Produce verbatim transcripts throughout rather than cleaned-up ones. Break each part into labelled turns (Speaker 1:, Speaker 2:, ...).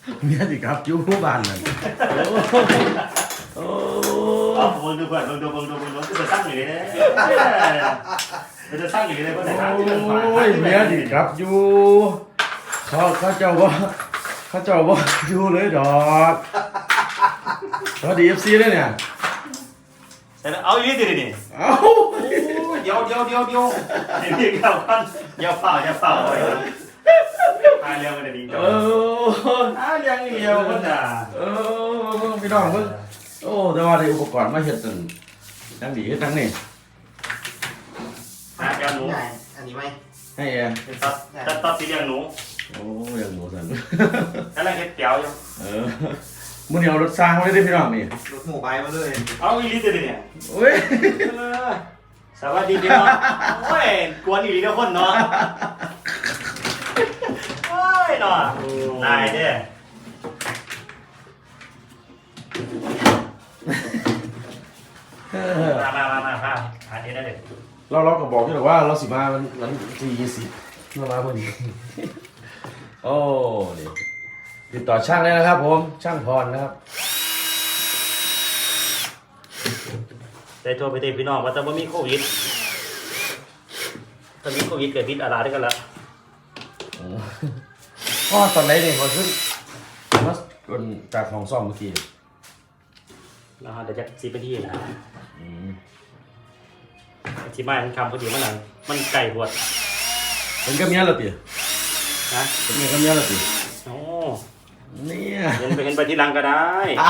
Speaker 1: เมียสิครับอยู่บ้านนั่นโอ้
Speaker 2: เอาเบิ่งดูเพื่อนเบิ่งดูเบิ่งดูเบิ่งดูจะสร้างอยู่เลยจะสร้างอยู่เลยเพราะไหนครับ
Speaker 1: โอ้ยเมียสิครับอยู่เขาเขาเจ้าว่าเขาเจ้าว่าอยู่เลยดอกสวัสดีเอฟซีเลยเนี่ย
Speaker 2: เอาอีกทีนี่
Speaker 1: เอา
Speaker 2: เดี๋ยวเดี๋ยวเดี๋ยวเดี๋ยวเดี๋ยวเดี๋ยวกันอย่าเฝ้าอย่าเฝ้าเลยตายเร็วกันดีจัง
Speaker 1: เออ
Speaker 2: ตายเร็วเร็วกันจ้ะ
Speaker 1: เออพี่น้องเพิ่งโอ้แต่ว่าได้อุปกรณ์มาเฮ็ดตั้งทั้งดีทั้งนี่
Speaker 2: อ่ะเดี๋ยวหนู
Speaker 3: อันนี้ไหม
Speaker 1: ให้แอน
Speaker 2: ตัดตัดตัดสีเลี้ยงหนู
Speaker 1: โอ้ยังหนูสัน
Speaker 2: กำลังเฮ็ดเตี๋ยวอยู่
Speaker 1: เออมื้อนี้เอารถสร้างมาเลยเด้พี่น้องนี่
Speaker 3: รถหมู่ไปมาเลย
Speaker 2: เอาอีลิตเลยเนี่ย
Speaker 1: โอ้ย
Speaker 2: สวัสดีพี่น้องโอ้ยกวนอีลิตทุกคนเนาะโอ้ยเนาะตายเด้มามามามามาหาเดี๋ยวได้เลย
Speaker 1: เราเราก็บอกอยู่ว่าเราสิมาวันวันที่ยี่สิบเรามาพอดีโอ้นี่ติดต่อช่างเลยนะครับผมช่างพรนะครับ
Speaker 2: ได้โทรไปตีพี่น้องว่าแต่ว่ามีโควิดถ้ามีโควิดเกิดพิษอะไรได้กันละ
Speaker 1: พ่อตอนไหนเนี่ยพอขึ้นมาจากของซ่อมเมื่อกี้
Speaker 2: นะฮะเดี๋ยวจะซีไปที่นะที่ไม่ทันคำพอดีมันหนังมันไก่บวช
Speaker 1: เป็นกับเมียเหรอปี
Speaker 2: นะ
Speaker 1: เป็นเมียกับเมียเหรอปี
Speaker 2: โอ้
Speaker 1: เนี่ย
Speaker 2: เห็นไปเห็นไปที่หลังก็ได้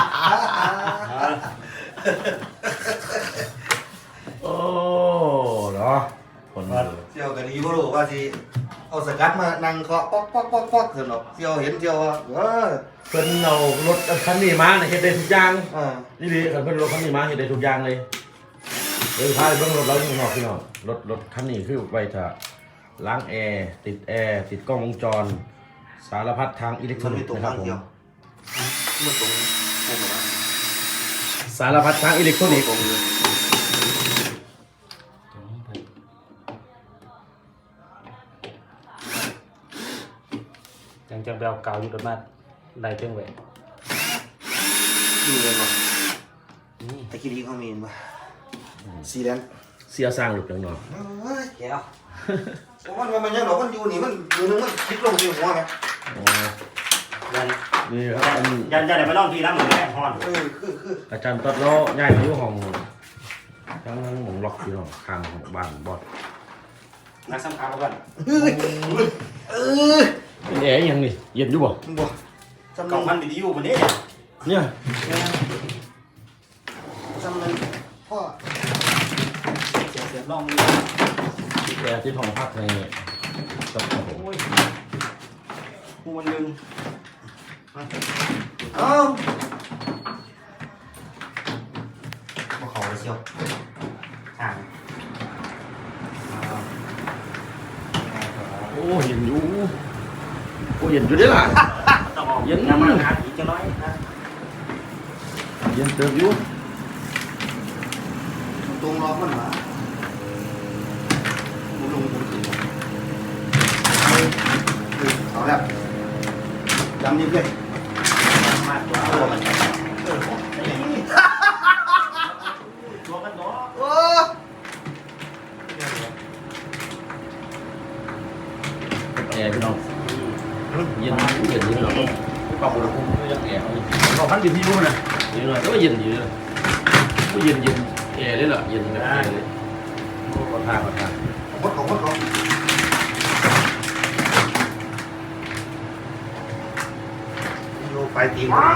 Speaker 1: โอ้เนาะคน
Speaker 3: เที่ยวกันนี้บ่รู้ว่าสิเอาสกัดมานั่งเคาะป๊อกป๊อกป๊อกป๊อกเถอะเนาะเที่ยวเห็นเที่ยวเออ
Speaker 1: เพิ่นเอารถคันนี้มาเนี่ยเฮ็ดได้ทุกอย่าง
Speaker 3: อ่า
Speaker 1: นี่ดิคันเพิ่นรถคันนี้มาเฮ็ดได้ทุกอย่างเลยเดี๋ยวพาไปเบิ่งรถเราอยู่ข้างนอกพี่น้องรถรถคันนี้คือไว้ถ้าล้างแอร์ติดแอร์ติดกล้องวงจรสารพัดทางอิเล็กทรอนิกส์นะครับผม
Speaker 3: มันตรง
Speaker 1: สารพัดทางอิเล็กทรอนิกส์
Speaker 2: ยังจังเบลเก่าอยู่กับมาได้เท่งเว้ย
Speaker 3: มีเงินป่ะตะกี้นี้เขามีเงินป่ะสีแดง
Speaker 1: เสียสร้างหลุดจังเนาะ
Speaker 3: เฮ้ยแก้วมันมันยังหรอมันอยู่นี่มันอยู่นึงมันคิดลงที่หัวไหม
Speaker 1: อ๋อนี่ครับ
Speaker 2: ยันยันไหนมาลองทีน้ำเหมือนแม่ฮอน
Speaker 3: เออคือคือ
Speaker 1: อาจารย์ตัดล้อย้ายมาอยู่ห้องทั้งทั้งหมองล็อกอยู่เนาะข้างของบ้านบอด
Speaker 2: นักสัมภาระกัน
Speaker 3: เออเออ
Speaker 1: เป็นแอร์ยังนี่เย็นอยู่บ่
Speaker 3: บ่
Speaker 2: จำลองมันวิดีโอวันนี้
Speaker 1: เนี่ย
Speaker 3: จำเลยพ่อ
Speaker 2: เสียเสียลอง
Speaker 1: แอร์ที่ห้องพักในกับ
Speaker 2: โอ้ยกูมันลืม
Speaker 3: เอ้าบ่เข้าเลยเชียวห่าง
Speaker 1: โอ้เย็นอยู่โอ้เย็นอยู่ด้วยล่ะ
Speaker 2: เย็นน้ำมันหาอีกจะน้อยนะ
Speaker 1: เย็นเติมอยู่
Speaker 3: ตรงรอมันมาหมุนลงหมุนขึ้นเอาแล้วจำนิ่มเลย
Speaker 2: มากกว่าตัวมันตัวกันเนาะ
Speaker 3: โอ้
Speaker 1: แอร์พี่น้องเย็นเย็นอยู่เนาะปรับอุณหภูมิยังแอร์เราพันดิบที่รู้นะเย็นหน่อยก็เย็นอยู่เลยก็เย็นเย็นแอร์เลยล่ะเย็นแบบแอร์เลยโอ้ขอทานขอทาน
Speaker 3: ของคนของคนของโยไปตีมัน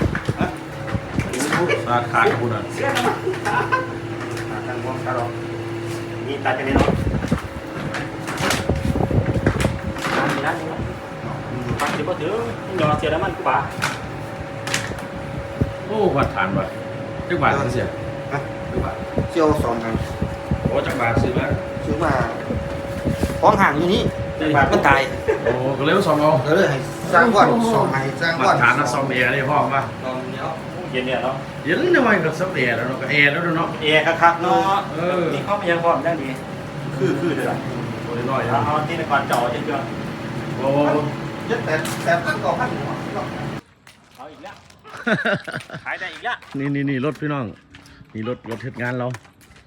Speaker 1: ราคาคุณอ่ะ
Speaker 2: ทางวงตลอดมีตาจะเล่นเนาะมีนะนี่ปักเดี๋ยวก็ถือยอเสียแล้วมันกูป่า
Speaker 1: โอ้วัดฐานวัดจักบาทเสีย
Speaker 3: ฮะจักบาทเชี่ยวสองครั้ง
Speaker 1: โอ้จักบาทซื้อมา
Speaker 3: ซื้อมาของห่างอยู่นี่จักบาทมันตาย
Speaker 1: โอ้ก็เลยสองเอา
Speaker 3: ก็เลยให้สร้างก่อนสองให้สร้างก่อน
Speaker 1: ฐานนะซอมแอร์ได้พ่อมา
Speaker 3: ตอนนี้
Speaker 2: เย็นเนี่ยเนาะ
Speaker 1: เย็นทำไมกับซับแอร์แล้วเนาะกับแอร์แล้วเนาะ
Speaker 2: แอร์คักๆเนาะเออนี่เข้าไปยังพร้อมได้ดีคือคือเด้อ
Speaker 1: ตัวน้อย
Speaker 2: เอาที่ในก่อนจ่อเยอะ
Speaker 1: ๆโอ้
Speaker 3: เยอะแต่แต่พันก่อพันหัว
Speaker 2: ขายได้อีกละ
Speaker 1: นี่นี่นี่รถพี่น้องนี่รถรถเหตุงานเรา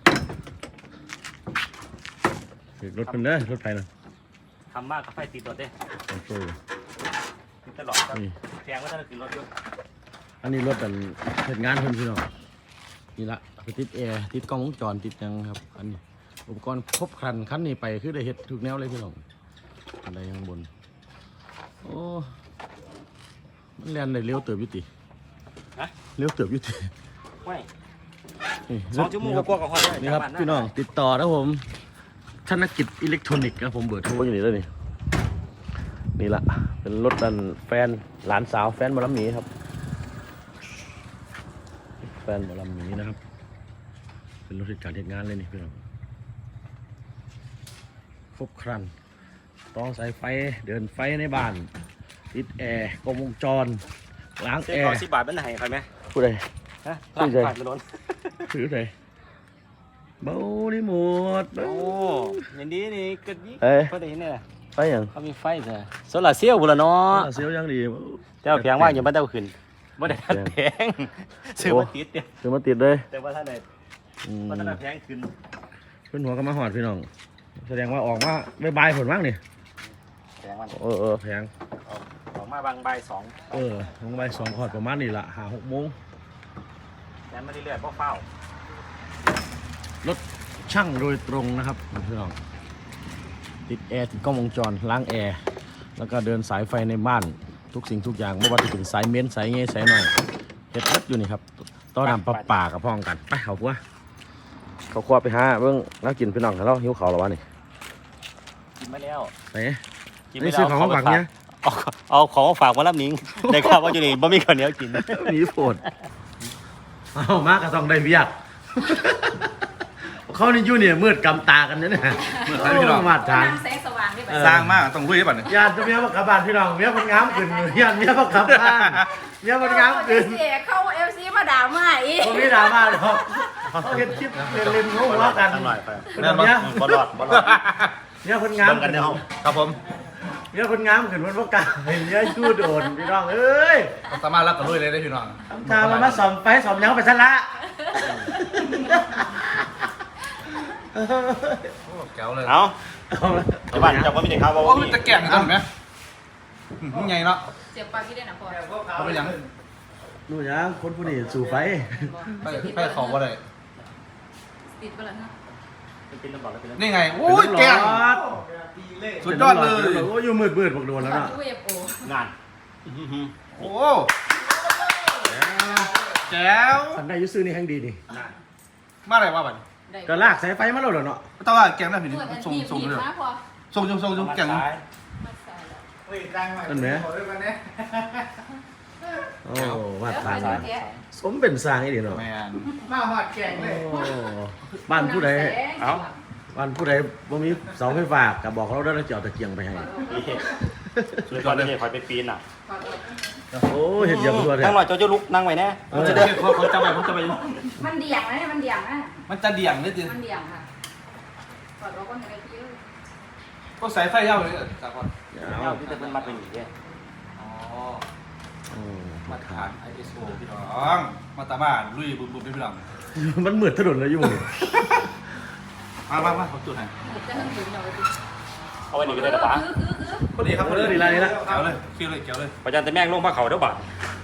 Speaker 1: รถเป็นเด้อรถไฟนะ
Speaker 2: ทำมากกับไฟติดรถเด้
Speaker 1: โอ้โห
Speaker 2: ติดตลอดครับ
Speaker 1: นี่
Speaker 2: แพงว่าถ้าเราขึ้นรถอยู่
Speaker 1: อันนี้รถเป็นเหตุงานเพิ่นพี่น้องนี่ละไปติดแอร์ติดกล้องวงจรติดหยังครับอันนี้อุปกรณ์ครบครันคันนี้ไปคือได้เฮ็ดทุกแนวเลยพี่น้องอันใดข้างบนโอ้มันแล่นได้เร็วเติบอยู่ติ
Speaker 2: ฮะ
Speaker 1: เร็วเติบอยู่ติ
Speaker 2: ไม่
Speaker 1: นี่
Speaker 2: สองชั่วโมงกว่ากับฮอดเลย
Speaker 1: นี่ครับพี่น้องติดต่อนะผมธนกิจอิเล็กทรอนิกส์ครับผมเบอร์โทรอยู่นี่แล้วนี่นี่ละเป็นรถดันแฟนหลานสาวแฟนหมอลำหมีครับแฟนหมอลำหมีนะครับเป็นรถที่การเหตุงานเลยนี่พี่น้องครบครันต้องสายไฟเดินไฟในบ้านติดแอร์กล้องวงจรล้าง
Speaker 2: เส้
Speaker 1: แอน
Speaker 2: ร้อย
Speaker 1: ร์
Speaker 2: สิบบาทเป็นไหนใครไหม
Speaker 1: ผู้ใด
Speaker 2: ฮะ
Speaker 1: ซื้อใจ
Speaker 2: ผ่านไปล้น
Speaker 1: ถือใดเบานี่หมดเบา
Speaker 2: โอ้ยันดีนี่ก็ยิ่ง
Speaker 1: เอ้ย
Speaker 2: ก็ได้เนี่ย
Speaker 1: ไปอย่าง
Speaker 2: เขามีไฟเถอะโซลาร์เซลล์บุรเนาะ
Speaker 1: เสียวยังดี
Speaker 2: แต่ว่าแพงว่างยังไม่ได้เอาขึ้นไม่ได้ทัดแพงซื้อมาติดเนี่ย
Speaker 1: ซื้อมาติดเลย
Speaker 2: แต่ว่าถ้าไหน
Speaker 1: อืม
Speaker 2: ว่าถ้าไหนแพงขึ้น
Speaker 1: เพื่อนหัวก็มาหอดพี่น้อง แสดงว่าออกมาบายๆผลมั้งนี่
Speaker 2: แพงมัน
Speaker 1: เออเออแพง
Speaker 2: ออกมาบางใบสอง
Speaker 1: เออลงไปสองขอดประมาณนี่ละหาหกโมง
Speaker 2: แล้มาเรื่อยๆเพราะเฝ้าร
Speaker 1: ถช่างโดยตรงนะครับพี่น้องติดแอร์ติดกล้องวงจรล้างแอร์แล้วก็เดินสายไฟในบ้านทุกสิ่งทุกอย่างไม่ว่าจะเป็นสายเม้นสายเงี้ยสายหน่อยเฮ็ดรถอยู่นี่ครับต้อนนำปลาป่ากับพ้องกันไปเขาครัวเขาครัวไปหาเบิ่งแล้วกินพี่น้องแล้วหิวเขาวแล้ววะนี่
Speaker 2: กินมาแล้ว
Speaker 1: ไหน
Speaker 2: กิน
Speaker 1: นี่ซื้อของมาฝากเนี่ย
Speaker 2: เอาเอาของมาฝากมารับนิ้งได้ข่าวว่าอยู่นี่บ่มีข้าวเหนียวกิน
Speaker 1: หนีโผดเอามากก็ต้องได้เบียดเขานี่อยู่เนี่ยมืดกำตากันเนี่ยนะ
Speaker 4: มืดใครพี่น้อง
Speaker 1: มาทาน
Speaker 4: น้ำแสงสว่างได้ไหม
Speaker 1: เออ
Speaker 4: สร้างมากต้องลุยได้ป่ะเนี่ย
Speaker 1: ญาติเมียบักกลับบ้านพี่น้องเมียคนงามขึ้นญาติเมียบักกลับบ้านเมียคนงามขึ้น
Speaker 4: เสียเข้าเอฟซีมาด่ามาอีก
Speaker 1: ตรงนี้ดราม่าเลยครับเขาเห็นคลิปเล่นเล่นๆเขาหัวกัน
Speaker 2: หน่อยไป
Speaker 1: เป็นแบบเนี้ย
Speaker 2: บอลลอดบอลลอด
Speaker 1: เมียคนงาม
Speaker 2: เบิ่งกันในห้อง
Speaker 4: ครับผม
Speaker 1: เมียคนงามขึ้นวันพระกาเห็นเมียชู้โดนพี่น้องเอ้ย
Speaker 4: สามารถรับกับลุยเลยได้พี่น้อง
Speaker 1: ทำทางมันมาสอมไฟสอมยังไปซะละ
Speaker 4: โอ้แก้วเลย
Speaker 2: เอา
Speaker 1: เอาละ
Speaker 2: เจ้าบ้านเจ้าก็มีแต่ข่าวว่า
Speaker 4: โอ้
Speaker 2: บ่
Speaker 4: ย
Speaker 2: มี
Speaker 4: จะแก่งกันไหมมึงไงเนาะ
Speaker 5: เสียบปากที่ได้นะพอ
Speaker 4: เขาไปยัง
Speaker 1: นู่นยังคนผู้นี้สู่ไฟ
Speaker 4: ไปไปเขาว่าอะไร
Speaker 5: ติดไปแล้วนะ
Speaker 2: เป็นน้ำบอกแล้วเป็นน้ำ
Speaker 4: นี่ไงโอ้ยแก่งสุดยอดเลย
Speaker 1: โอ้ยอยู่มืดมืดๆบอกโดนแล้ว
Speaker 5: ก่อน
Speaker 1: เนาะ
Speaker 5: ที่เอฟโอง
Speaker 2: าน
Speaker 4: โอ้แจ๋ว
Speaker 1: สันได้อยุซื้อนี่แห่งดีนี่
Speaker 4: มาอะไรวะบัด
Speaker 5: ได้
Speaker 1: ก็ลากสายไฟมาแล้วเหรอเนาะ
Speaker 4: ต้องว่าแกงได้ผิด
Speaker 5: เปิดอัน
Speaker 4: ส่ง
Speaker 5: ที
Speaker 4: ส่ง
Speaker 5: ที
Speaker 4: เลย
Speaker 5: มาพอ
Speaker 4: ส่งส่งส่งส่งแกง
Speaker 5: มาใส่แล้ว
Speaker 1: นั่นไหมโอ้วัด
Speaker 5: แล้ว
Speaker 1: ทา
Speaker 5: ใส่
Speaker 1: น
Speaker 5: แกะ
Speaker 1: สมเป็นสร้างไอ้เดีเนาะ
Speaker 4: แมน
Speaker 1: โอ้บ้านผู้ใด
Speaker 2: เอา
Speaker 1: บ้านผู้ใดบ่มีเสาไฟฟ้าก็บอกเขาได้แล้วจะเอาตะเกียงไปให้
Speaker 2: สุดยอดเลยคอยไปปีนอ่ะ
Speaker 1: โอ้เห็นเยี่ยมตัวเลย
Speaker 2: นั่งหน่อยเจ้าจะลุกนั่งไว้แน่
Speaker 1: เออ
Speaker 4: จะได้เขาเขาจะไปเขาจะไป
Speaker 5: มันเดี่ยงนะเนี่ยมันเดี่ยงนะ
Speaker 4: มันจะเดี่ยงนิดนึง
Speaker 5: มันเดี่ยงค่ะกอดเราก็ในกระเทียม
Speaker 4: ก็สายไฟยาวเลยจากก่อน
Speaker 2: เอาที่จะเป็นมัดเป็นอย่างนี้
Speaker 4: อ๋อ
Speaker 1: อืม
Speaker 4: มาตรฐาน ไอ เอส โอ พี่น้องมาตาบ้านลุยบุบบุบพี่น้อง
Speaker 1: มันมืดถนนเลยอยู่
Speaker 4: มามามาผมจุดให้
Speaker 5: จะให้ถึงหน่อย
Speaker 2: เอาไว้นี่ก็ได้นะป้า
Speaker 5: คือคือคือ
Speaker 4: พอดีครับพอ
Speaker 1: เอ
Speaker 4: ดี
Speaker 1: อดีละดีละ
Speaker 4: เกี่ยวเลยเกี่ยวเลยเกี่ยวเลย
Speaker 2: ประจันแต่แม่งลงผ้าเขาเด้อบ่า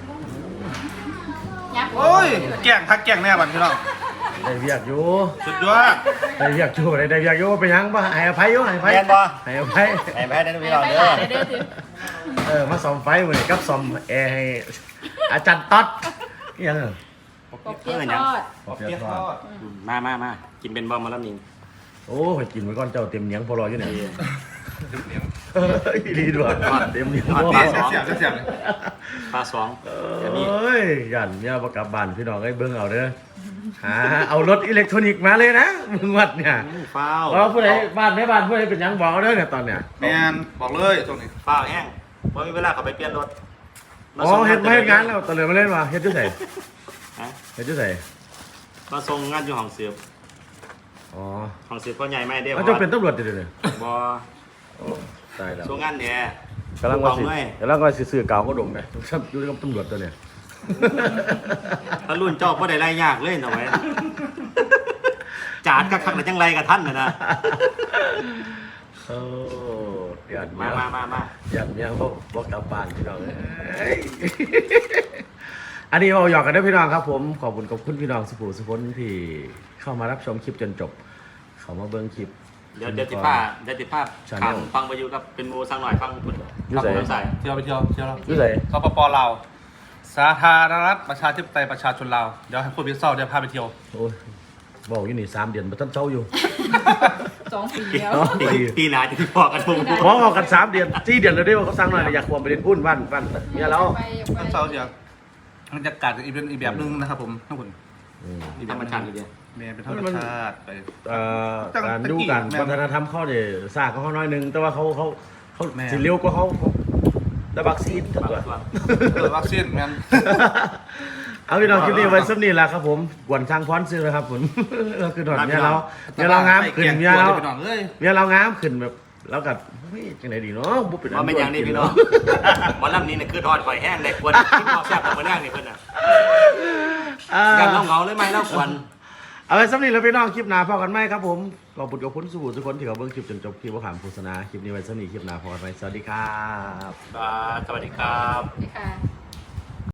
Speaker 5: ยักษ์
Speaker 4: โอ้ยแกงทักแกงแน่บัดพี่น้อง
Speaker 1: ได้เวียกอยู่
Speaker 4: สุดยอด
Speaker 1: ได้เวียกอยู่ได้ได้เวียกอยู่ไปยังบ่ให้อภัยอยู่ให้อภัย
Speaker 2: แม่นบ่
Speaker 1: ให้อภัย
Speaker 2: ไอ้แพ้ได้
Speaker 5: ไป
Speaker 2: พี่น้อง
Speaker 5: ไป
Speaker 2: เด้อ
Speaker 5: หาเด้อถึง
Speaker 1: เออมาซ่อมไฟมื้อนี้กับซ่อมแอร์ให้อาจารย์ต๊อดอีหยังอ่ะ
Speaker 5: ปอบเปี๊ยะทอด
Speaker 1: ปอบเปี๊ยะทอด
Speaker 2: มามามากินเป็นบอมมาแล้วนิ่ง
Speaker 1: โอ้ยกินไว้ก่อนเจ้าเต็มเหนียงพอรออยู่เนี่ยเอออีหลีด้วยเต็มเหนียงพอ
Speaker 4: เสียบเสียบเสียบเลย
Speaker 2: ปลาสอง
Speaker 1: เอ้ยยันเนี่ยประกลับบ้านพี่น้องไอ้เบิ่งเอาเด้อหาเอารถอิเล็กทรอนิกส์มาเลยนะมึงวัดเนี่ย
Speaker 2: ฟ้าว
Speaker 1: เพราะผู้ใดบ้านแม่บ้านผู้ใดเป็นหยังบอกเอาเด้อเนี่ยตอนเนี้ย
Speaker 4: แมนบอกเลยตรงนี้
Speaker 2: ฟ้าวแห้งว่ามีเวลาเขาไปเปลี่ยนรถ
Speaker 1: อ๋อเฮ็ดมาเฮ็ดงานแล้วตอนเหลือมาเล่นมาเฮ็ดจังไส
Speaker 2: ฮะ
Speaker 1: เฮ็ดจังไส
Speaker 2: มาส่งงานอยู่ห้องเสียบ
Speaker 1: อ๋อ
Speaker 2: ห้องเสียบก็ใหญ่ไม่ได้
Speaker 1: แล้วเจ้าเป็นตำรวจเดี๋ยวนี้
Speaker 2: บ่
Speaker 1: โอ้ตายแล้ว
Speaker 2: ส่งงานเนี่ย
Speaker 1: กำลังว่าสิ
Speaker 2: บอกเลย
Speaker 1: กำลังว่าสิซื้อกาวก็ดมไงอยู่กับตำรวจตัวเนี่ย
Speaker 2: ถ้ารุ่นเจ้าก็ได้ไรยากเลยหน่อยจานก็คักแต่จังไรกับท่านนะนะ
Speaker 1: โอ้เดือด
Speaker 2: มามามามา
Speaker 1: เดือดเมียพวกพวกกลับบ้านพี่น้องเอ้ยอันนี้เราหยอกกันด้วยพี่น้องครับผมขอบคุณขอบคุณพี่น้องสุภูสุพนที่เข้ามารับชมคลิปจนจบ เขามาเบิ้งคลิป
Speaker 2: เดี๋ยวเดี๋ยวติดผ้าเดี๋ยวติดผ้าขำฟังไปอยู่กับเป็นโมสั่งหน่อยฟังคุณ
Speaker 1: อยู่ไหน
Speaker 2: ใส่
Speaker 4: เที่ยวไปเที่ยวเที่ยวเรา
Speaker 1: อยู่ไหน
Speaker 4: สปปลาวสาธารณรัฐประชาธิปไตยประชาชนลาวเดี๋ยวให้คุณพิซซ่าเดี๋ยวพาไปเที่ยว
Speaker 1: โอ้ยบอกอยู่นี่สามเดือนมาต้นเช้าอยู่
Speaker 5: สองปีแล้ว
Speaker 1: อ๋อ
Speaker 2: ปีปีหนาจะที่พอกันทุก
Speaker 1: หมอบอกกันสามเดือนสี่เดือนเลยได้ว่าเขาสั่งหน่อยอยากควงไปเล่นพุ่นบ้านบ้านเมียแล้ว
Speaker 5: ไปไป
Speaker 4: ท่านเซาเดียวบรรยากาศอีกเป็นอีกแบบนึงนะครับผมทั้งหมด
Speaker 1: อืม
Speaker 2: ธรรมชาติเลยเดียว
Speaker 4: เมย์เป็นธรรมชาติไป
Speaker 1: เอ่อการดูกันวัฒนธรรมเขาเนี่ยซากเขาน้อยหนึงแต่ว่าเขาเขาเขา
Speaker 4: แม่
Speaker 1: สิเร็วกว่าเขาเขาได้วัคซีนตัว
Speaker 4: เปิดวัคซีนแมน
Speaker 1: เอาพี่น้องคลิปนี้ไว้สักนี้แหละครับผมกวนช่างพรซื้อเลยครับผมก็คือถอดเนี่ยเราเนี่ยเรางามขึ้นเนี่ยเรา
Speaker 4: พี่น้องเอ้ย
Speaker 1: เนี่ยเรางามขึ้นแบบแล้วกับเฮ้ยจังไหนดีเนาะบุบเป็น
Speaker 2: ว่าเป็นอย่างนี้พี่น้องหมอลำนี้เนี่ยคือทอดไฟแห้งเลยควรที่พอแซ่บมาแรกนี่เพื่อนอ่ะ
Speaker 1: อ่า
Speaker 2: กันเงาเลยไหมแล้วควร
Speaker 1: เอาไว้สักนี้แล้วพี่น้องคลิปหน้าพอกันไหมครับผมขอบคุณกับคุณสุบุทุกคนที่เขาเบิ่งคลิปจนจบคลิปว่าขามโฆษณาคลิปนี้ไว้สักนี้คลิปหน้าพอกันไหมสวัสดีครับ
Speaker 2: สวัสดีครับ
Speaker 5: ค่ะ